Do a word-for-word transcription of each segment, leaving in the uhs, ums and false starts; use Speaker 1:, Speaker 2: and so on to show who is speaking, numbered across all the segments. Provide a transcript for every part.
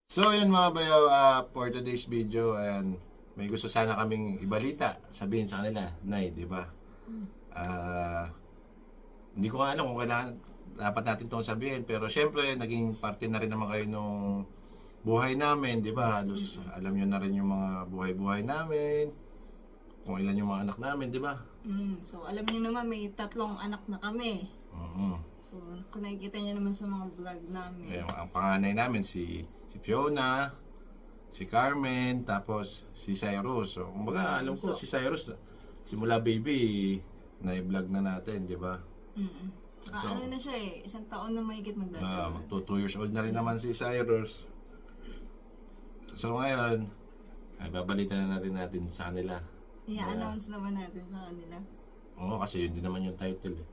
Speaker 1: So yun mga bayaw, uh, for today's video, ayan, may gusto sana kaming ibalita, sabihin sa kanila, Nay, di ba? Ah, hindi ko nga alam kung kailangan dapat natin itong sabihin, pero syempre naging parte na rin naman kayo nung buhay namin, di ba? Halos alam nyo na rin yung mga buhay-buhay namin, kung ilan yung mga anak namin, di ba?
Speaker 2: Mm, so alam niyo naman may tatlong anak na kami.
Speaker 1: Mhm.
Speaker 2: So kung nakikita niyo naman sa mga vlog namin.
Speaker 1: Ayan, ang panganay namin si si Fiona, si Carmen, tapos si Cyrus. So, kumbaga, alam ko
Speaker 2: So-
Speaker 1: si Cyrus, simula baby, na-vlog na natin, di ba?
Speaker 2: Mm. Ah,
Speaker 1: So-
Speaker 2: ano na siya eh, isang taon na mahigit
Speaker 1: Uh,
Speaker 2: magdadaan.
Speaker 1: magto two years old na rin naman si Cyrus. So ngayon, ay babalita na rin natin sa kanila.
Speaker 2: I-announce naman natin sa kanila.
Speaker 1: Oo, kasi yun din naman yung title eh.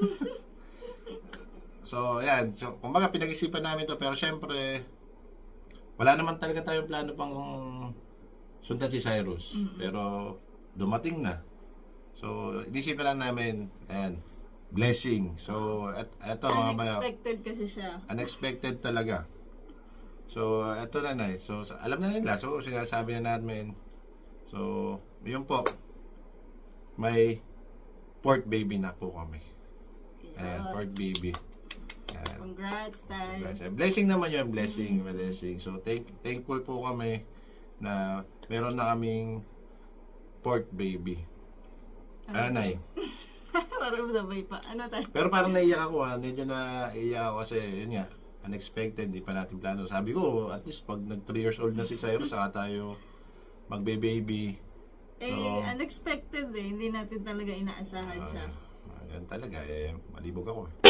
Speaker 1: So, ayan. So, kumbaga, pinag-isipan namin to pero syempre, wala naman talaga tayong plano pang sundan si Cyrus. Pero, dumating na. So, inisipin lang namin, ayan, blessing. So, et, eto mga bayaw.
Speaker 2: Unexpected kasi siya.
Speaker 1: Unexpected talaga. So, eto na na. So, sa- alam na nila. So, sinasabi na namin. So, yun po. May fourth baby na po kami. Ayan,
Speaker 2: Yeah.
Speaker 1: fourth baby. Ayan.
Speaker 2: Congrats, Tay.
Speaker 1: Blessing. Blessing naman yun, blessing, blessing. So, thank, thankful po kami na meron na kaming fourth baby. Ano na eh.
Speaker 2: Parang sabay pa. Ano tayo?
Speaker 1: Pero parang naiyak ako ha. Medyo naiyak ako kasi yun nga. Unexpected, di pa natin plano. Sabi ko, at least pag nag three years old na si Cyrus, saka tayo magbe-baby. So,
Speaker 2: eh, unexpected eh. Hindi natin talaga inaasahan siya.
Speaker 1: ah, ganun talaga. Eh, malibog ako eh.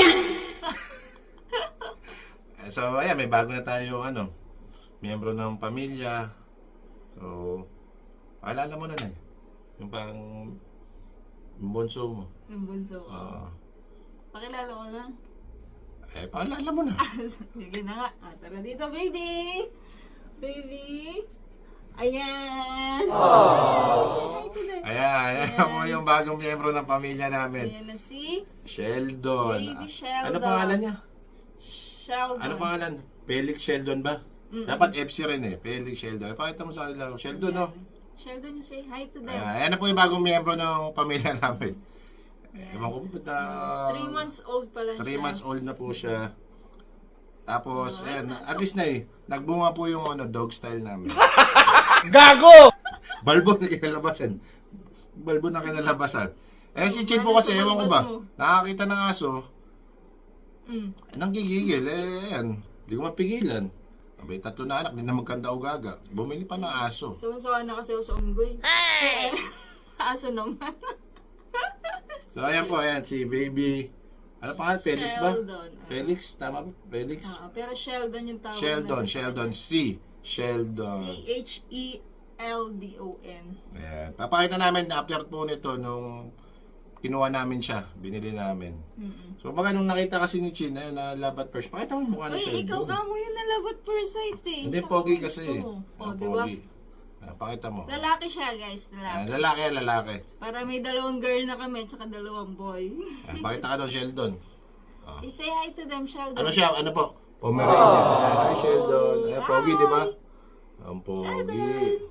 Speaker 1: Eh, so, ayan, may bago na tayo, ano, miyembro ng pamilya. So, paalala mo na na eh. Yung pang yung bunso mo.
Speaker 2: Yung bunso ko.
Speaker 1: Ah,
Speaker 2: Pakilala ko na.
Speaker 1: eh, paalala mo na.
Speaker 2: Sige na nga. Ah, tara dito, baby! Baby! Ayan! Ayan! Say hi to them.
Speaker 1: Ayan, ayan po yung bagong miyembro ng pamilya namin.
Speaker 2: Ayan na si
Speaker 1: Sheldon.
Speaker 2: Baby
Speaker 1: Ah,
Speaker 2: Sheldon.
Speaker 1: Ano pangalan niya?
Speaker 2: Sheldon.
Speaker 1: Ano pangalan? Felix Sheldon ba? Dapat F C rin eh. Felix Sheldon. Pakita mo sa kanila. Sheldon, no?
Speaker 2: Sheldon, say hi to them.
Speaker 1: Ayan, ayan na po yung bagong miyembro ng pamilya namin. Ewan ko ba't na...
Speaker 2: Three months old pa lang
Speaker 1: Three
Speaker 2: siya.
Speaker 1: months old na po siya. Tapos, ayan, at least na eh. Nagbunga po yung ano, dog style namin.
Speaker 3: Gago!
Speaker 1: Balbo na kinalabasan. Balbo na kinalabasan. Eh, si Chin po kasi, ewan ko ba, nakakita ng aso,
Speaker 2: Mm.
Speaker 1: nanggigigil, eh, ayan, hindi ko mapigilan. Abay, tatlo na anak, di na magkanda o gaga. Bumili pa ng aso.
Speaker 2: Sawan-sawa na kasi ako sa unggoy. Hey! Aso naman.
Speaker 1: So, ayan po, ayan, si baby, ano pangalan, Felix ba?
Speaker 2: Sheldon. ah.
Speaker 1: Felix, tama ba? Felix?
Speaker 2: Ah, pero Sheldon yung tawag
Speaker 1: Sheldon,
Speaker 2: namin.
Speaker 1: Sheldon, C. Sheldon.
Speaker 2: C H E L D O N.
Speaker 1: Ayan. Papakita namin na after po nito nung kinuha namin siya, binili namin.
Speaker 2: Mm-mm.
Speaker 1: So baka nung nakita kasi ni Chin, ayun na love at first, pakita mo yung mukha ni
Speaker 2: Uy, ikaw
Speaker 1: Sheldon.
Speaker 2: ka mo yun na love at first sight eh.
Speaker 1: Hindi,
Speaker 2: Siya
Speaker 1: pogi
Speaker 2: gusto
Speaker 1: kasi.
Speaker 2: mo.
Speaker 1: Ah,
Speaker 2: Oh, di ba?
Speaker 1: pogi. Ayan, pakita mo.
Speaker 2: Lalaki siya guys, lalaki.
Speaker 1: Ayan, lalaki, lalaki.
Speaker 2: Para may dalawang girl na kami, tsaka dalawang boy.
Speaker 1: Ayan, pakita ka doon, Sheldon.
Speaker 2: I say hi to them, Sheldon.
Speaker 1: Ano siya, ano po? Pomeranian. Ayan, hi Sheldon. Ayan, pogi, di ba? Ang pogi.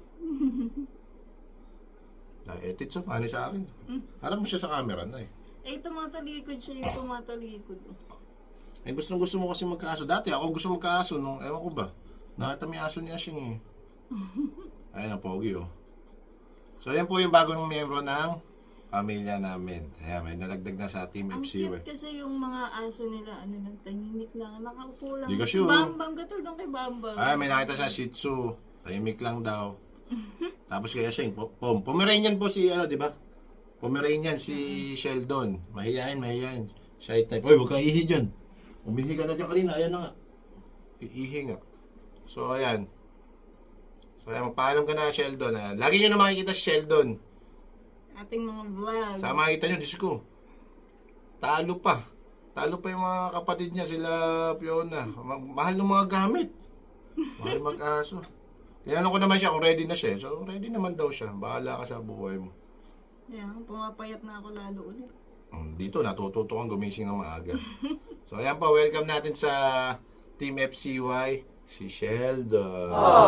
Speaker 1: Na-edit sa paano sa akin. Harap mo siya sa camera na eh.
Speaker 2: Eh, tumatalikod siya yung tumatalikod.
Speaker 1: Eh, gusto gusto mo kasi magkaaso. Dati ako gusto magkaaso nung, ewan ko ba, nakita mo yung aso ni Ashing eh. Ayun ang pogi oh. So, yan po yung bagong miyembro ng pamilya namin. Ayan, may nalagdag na sa Team
Speaker 2: Ang
Speaker 1: F C.
Speaker 2: cute
Speaker 1: eh.
Speaker 2: kasi yung mga aso nila, ano lang, tahimik lang. Nakaupo lang.
Speaker 1: Di ka sure.
Speaker 2: Bambang, gatul doon kay Bambang.
Speaker 1: Ay, may nakita siya Shih Tzu. Tahimik lang daw. Tapos kaya Ashing, po, pom. Pomeranian po si, ano, di ba? Pomeranian si Sheldon. Mahihayin, mahihayin. Shy type. Oy, huwag kang ihi dyan. Umihi ka na dyan kanina. Ayan na nga. Iihi nga. So, ayan. So, ayan. Magpaalam ka na, Sheldon. Ayan. Lagi nyo na makikita si Sheldon.
Speaker 2: Ating mga vlog.
Speaker 1: Sa makikita nyo, Diyos ko. Talo pa. Talo pa yung mga kapatid niya, sila Fiona. Ma- mahal ng mga gamit. Mahal mag-aso. Tinanong ko naman siya kung ready na siya. So, ready naman daw siya. Bahala ka sa buhay mo.
Speaker 2: Ayan, pumapayat na ako lalo ulit.
Speaker 1: Mm, Dito, natututo kang gumising ng maaga. So, ayan po. Welcome natin sa Team F C Y. Si Sheldon.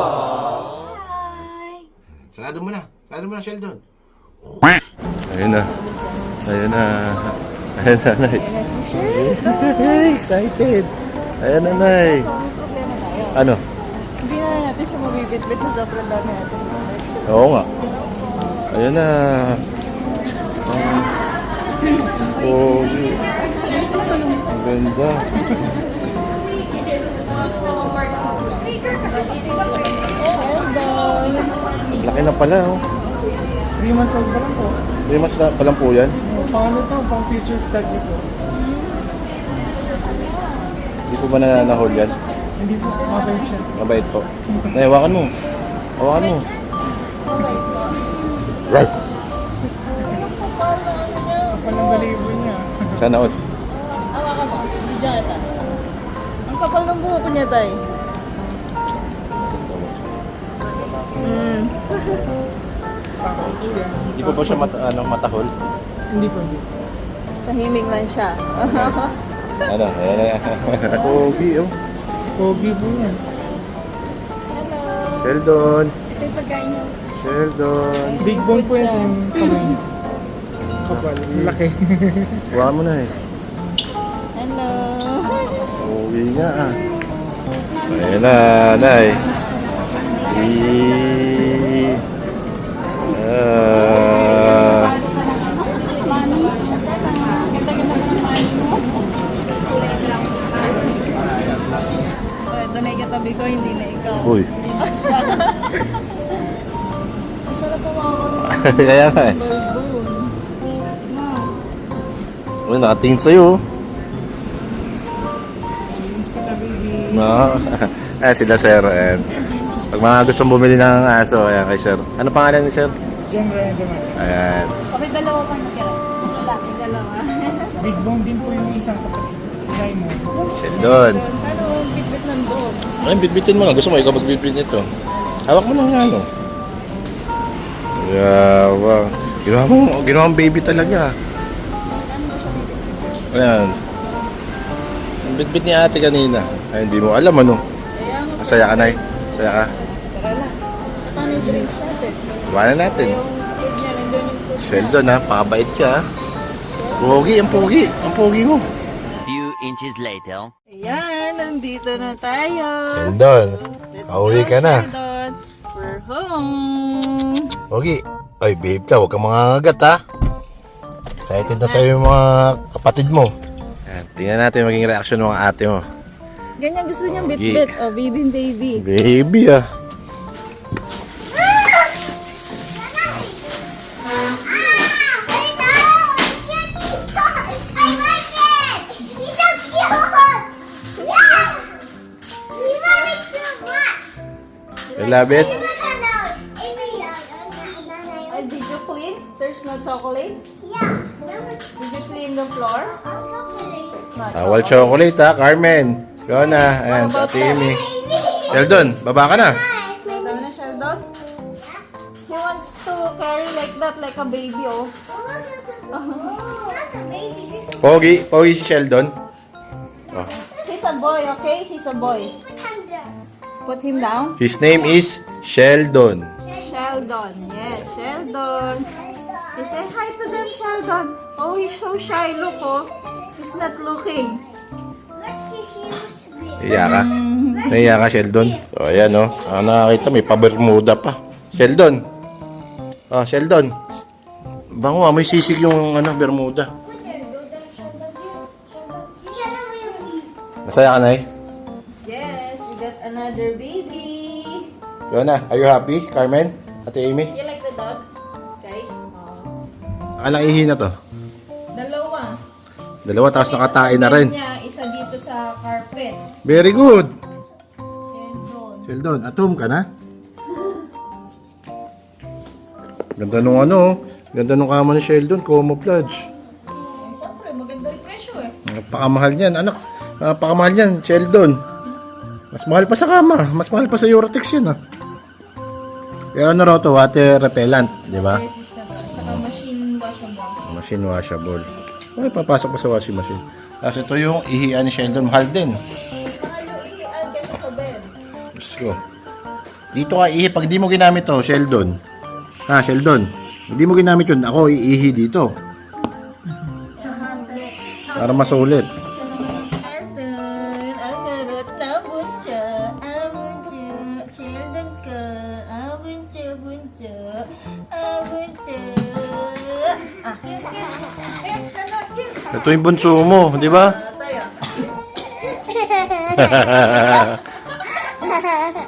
Speaker 2: Hi!
Speaker 1: Sarado mo na. Sarado mo na, Sheldon. Ayun na. Ayun na. Ayun na, Nay. Excited. Ayun na, Nay.
Speaker 2: So, ang problema tayo.
Speaker 1: Ano?
Speaker 2: Hindi na natin siya mabibit-bit sa sobrang dami natin.
Speaker 1: Oo nga. Ayun na. Oh, ang ganda.
Speaker 2: Sheldon!
Speaker 1: Laki na pala, oh.
Speaker 3: three months old pa lang po.
Speaker 1: May mas na palang po yan.
Speaker 3: Pang ano to, pang future study po.
Speaker 1: Hindi po ba nananahol yan?
Speaker 3: Hindi po, mabait siya.
Speaker 1: Mabait po. Nay, hawakan mo. Hawakan mo.
Speaker 2: Mabait po.
Speaker 1: Right.
Speaker 3: Kapal ang balibo niya.
Speaker 1: Sana all.
Speaker 2: Awakan mo. Video kita. Ang kapal ng buhok niya, tay. Mm.
Speaker 3: Pakal po yan.
Speaker 1: Hindi po ba siya mata, ano, matahol?
Speaker 3: Hindi po, hindi.
Speaker 2: Tahimik lang siya.
Speaker 1: Ano? Ayan na yan. Pogi, oh.
Speaker 3: Pogi po yan.
Speaker 2: Hello!
Speaker 1: Sheldon.
Speaker 2: Ito yung pagkain niyo.
Speaker 1: Sheldon.
Speaker 3: Big bone po yan yung kamay niya. Kapal, laki.
Speaker 1: Hawakan mo na eh.
Speaker 2: Hello!
Speaker 1: Pogi nga ah. Ayan na, Nay. I... Ah...
Speaker 2: Oh, ito na yung katabi ko, hindi na ikaw.
Speaker 1: Uy.
Speaker 2: Masarap po ako.
Speaker 1: Kaya nga eh. Uy, nakatingin sa'yo. No. Ah, sila sir. And pag mga gustong bumili ng aso, ayan kay sir. Ano pangalan ni sir?
Speaker 3: John Ryan naman.
Speaker 1: Ayan.
Speaker 2: Okay, dalawa pa nakira. Lalaki, dalawa.
Speaker 3: Big bone din po yung isang kapatid. Si Simon.
Speaker 1: Sheldon.
Speaker 2: Ano, bitbit ng dog.
Speaker 1: Ay, bitbitin mo lang. Gusto mo ikaw magbitbit nito. Hawak mo lang nga, no? Yawa. Ginawa mo, ginawa mong baby talaga.
Speaker 2: Ano mo siya bibit-bit?
Speaker 1: Ayan. Ang bitbit ni ate kanina. Ay, hindi mo alam, ano?
Speaker 2: Kaya mo.
Speaker 1: Masaya ka, Nay. Masaya ka.
Speaker 2: Tara lang. Paano yung drinks natin?
Speaker 1: Iwanan natin.
Speaker 2: Yung food niya, nandiyan yung food niya.
Speaker 1: Sheldon, ha? Pakabait ka, ha? Pogi, ang pogi. Ang pogi mo.
Speaker 4: Few inches later.
Speaker 2: Ayan, nandito na tayo.
Speaker 1: Sheldon,
Speaker 2: Let's
Speaker 1: pauwi
Speaker 2: go,
Speaker 1: ka na.
Speaker 2: Sheldon. We're home.
Speaker 1: Pogi. Ay, babe ka. Huwag kang mangangagat, ha? Excited na sa'yo yung mga kapatid mo. Ayan, tingnan natin yung maging reaction ng mga ate mo.
Speaker 2: Ganyan gusto niyang
Speaker 1: Pogi.
Speaker 2: bit-bit. Oh, baby, baby.
Speaker 1: Baby, ah. You love it?
Speaker 2: Uh, did you clean? There's no chocolate? Did you clean the floor? No
Speaker 1: Bawal chocolate, ha, Carmen. Go na. Ayan,
Speaker 2: What about
Speaker 1: Ate Amy. Sheldon, baba ka na.
Speaker 2: Ito na, Sheldon. He wants to carry like that, like a baby, oh.
Speaker 1: Pogi, pogi si Sheldon. Oh.
Speaker 2: He's a boy, okay? He's a boy. Put him down.
Speaker 1: His name is Sheldon.
Speaker 2: Sheldon. Yeah, Sheldon. You say hi to them, Sheldon. Oh, he's so shy. Look, oh. He's not looking.
Speaker 1: Naiya ka? Naiya ka, Sheldon? So, ayan, oh. Ah, nakakita, may pa-Bermuda pa. Sheldon. Ah, Sheldon. Bango, may sisig yung ano, Bermuda. Masaya ka, Nay?
Speaker 2: Yes, we got another baby.
Speaker 1: Yona, are you happy, Carmen? Ate Amy?
Speaker 2: You like the dog, guys? Oh.
Speaker 1: Alang ihi na to?
Speaker 2: Dalawa.
Speaker 1: Dalawa, tapos
Speaker 2: Isa
Speaker 1: nakatain
Speaker 2: dito
Speaker 1: na
Speaker 2: sa
Speaker 1: rin.
Speaker 2: bed niya, isa dito sa carpet.
Speaker 1: Very good.
Speaker 2: And doon.
Speaker 1: Sheldon, atom ka na? Ganda nung ano, oh. Ganda nung kama ni Sheldon, camouflage.
Speaker 2: Siyempre, maganda yung presyo eh.
Speaker 1: Napakamahal niyan, anak. Napakamahal niyan, Sheldon. Mas mahal pa sa kama. Mas mahal pa sa Eurotex yun, ah. Pero ano raw to, water repellent, di ba?
Speaker 2: Yes, is na ba? Tsaka machine washable.
Speaker 1: Machine washable. Ay, papasok pa sa washing machine. Tapos ito yung ihian ni Sheldon, mahal din.
Speaker 2: Mas mahal yung iian kaysa sa bed.
Speaker 1: ko. Dito ka ihi. Pag di mo ginamit to, Sheldon. Ha, Sheldon. Hindi mo ginamit yun. Ako iihi dito. Para masulit.
Speaker 2: Sheldon, ang harot na bunso. Abunso, Sheldon ka. Abunso, bunso. Abunso. Ah, here, here. Here, Sheldon, here.
Speaker 1: Ito yung bunso mo, di ba?
Speaker 2: Ah, tayo.